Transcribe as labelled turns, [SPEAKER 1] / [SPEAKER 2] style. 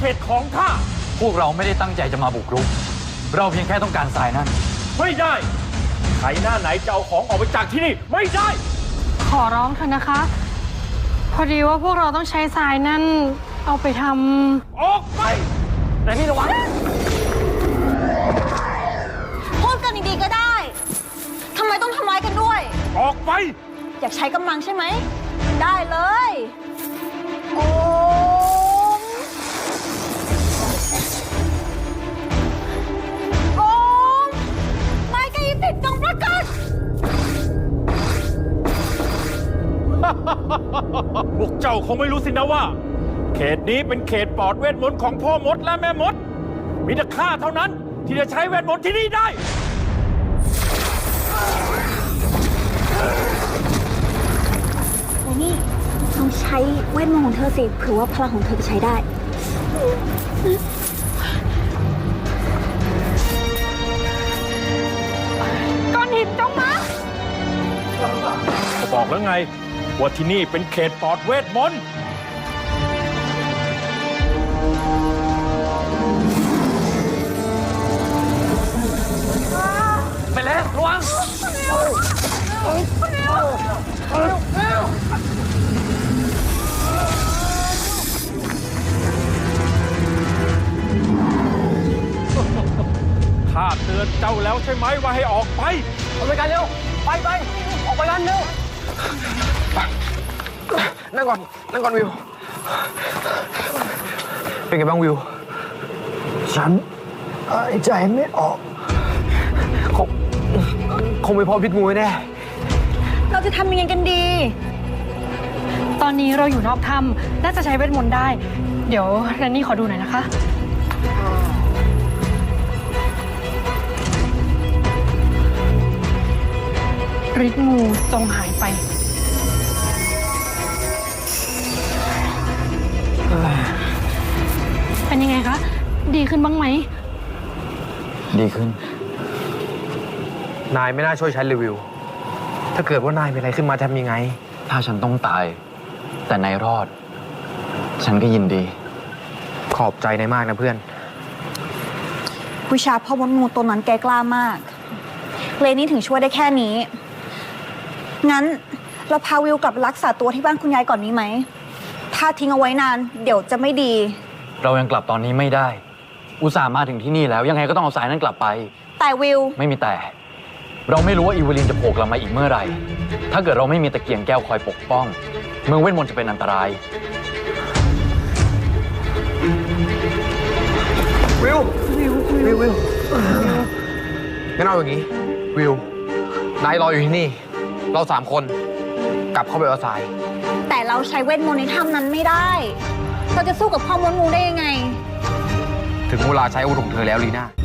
[SPEAKER 1] ตของข้า
[SPEAKER 2] พวกเราไม่ได้ตั้งใจจะมาบุกรุกเราเพียงแค่ต้องการทรายนั่น
[SPEAKER 1] ไม่ได้ใครหน้าไหนจะเอาของออกไปจากที่นี่ไม่ได้
[SPEAKER 3] ขอร้องเถอะนะคะ พอดีว่าพวกเราต้องใช้ทรายนั่นเอาไปท
[SPEAKER 1] ำออกไปแต่นี่ระวัง
[SPEAKER 4] พูดกันดีๆก็ได้ทำไมต้องทำร้ายกันด้วย
[SPEAKER 1] ออกไป
[SPEAKER 4] อยากใช้กำลังใช่ไหมได้เลยโอ้ไม้กายสิทธิ์จงปรากฏ
[SPEAKER 1] พวกเจ้าคงไม่รู้สินะว่าเขตนี้เป็นเขตปลอดเวทมนต์ของพ่อมดและแม่มดมีแต่ข้าเท่านั้นที่จะใช้เวทมนต์ที่นี่ได้
[SPEAKER 4] แต่นี่ต้องใช้เวทมนต์ของเธอสิเผื่อว่าพลังของเธอจะใช้ได้
[SPEAKER 3] ก้อนหินจงมา
[SPEAKER 1] ก็บอกแล้วไงว่าที่นี่เป็นเขตปลอดเวทมนต์
[SPEAKER 2] ไปแล้วระวัง
[SPEAKER 1] ข้าเตือนเจ้าแล้วใช่ไหมว่าให้ออกไป
[SPEAKER 2] เอาไปกันเร็วไปออกไปกันเร็ว
[SPEAKER 5] นั่งก่อนวิวเป็นไงบ้างวิว
[SPEAKER 6] ฉันหายใจไม่ออก
[SPEAKER 5] คงไม่พอพิษงูแน่
[SPEAKER 4] เราจะทำยังไงกันดี
[SPEAKER 3] ตอนนี้เราอยู่นอกถ้ำน่าจะใช้เวทมนต์ได้เดี๋ยวแรนนี่ขอดูหน่อยนะคะฤทธิ์งูจงหายไปเป็นยังไงคะดีขึ้นบ้างไหม
[SPEAKER 2] ดีขึ้น
[SPEAKER 5] นายไม่น่าช่วยฉันเลยวิวถ้าเกิดว่านายเป็นอะไรขึ้นมาทำยังไง
[SPEAKER 2] ถ้าฉันต้องตายแต่นายรอดฉันก็ยินดี
[SPEAKER 5] ขอบใจนายมากนะเพื่อน
[SPEAKER 4] วิชาพ่อมดงูตัวนั้นแกกล้ามากเลนี่ถึงช่วยได้แค่นี้งั้นเราพาวิวกลับรักษาตัวที่บ้านคุณยายก่อนนี้ไหมถ้าทิ้งเอาไว้นานเดี๋ยวจะไม่ดี
[SPEAKER 2] เรายังกลับตอนนี้ไม่ได้อุตส่าห์มาถึงที่นี่แล้วยังไงก็ต้องเอาสายนั้นกลับไป
[SPEAKER 4] แต่วิว
[SPEAKER 2] ไม่มีแต่เราไม่รู้ว่าอีวลินจะโผล่กลับมาอีกเมื่อไหร่ถ้าเกิดเราไม่มีตะเกียงแก้วคอยปกป้องเมืองเวทมนต์จะเป็นอันตราย
[SPEAKER 5] วิวงั้นเอาอย่างนี้วิวนายรออยู่ที่นี่เรา3 คนกลับเข้าไปเอาทราย
[SPEAKER 4] แต่เราใช้เวทมนต์ในถ้ำนั้นไม่ได้เราจะสู้กับพ่อมดงูได้ยังไง
[SPEAKER 5] ถึงเวลาใช้อาวุธของเธอแล้วลีน่า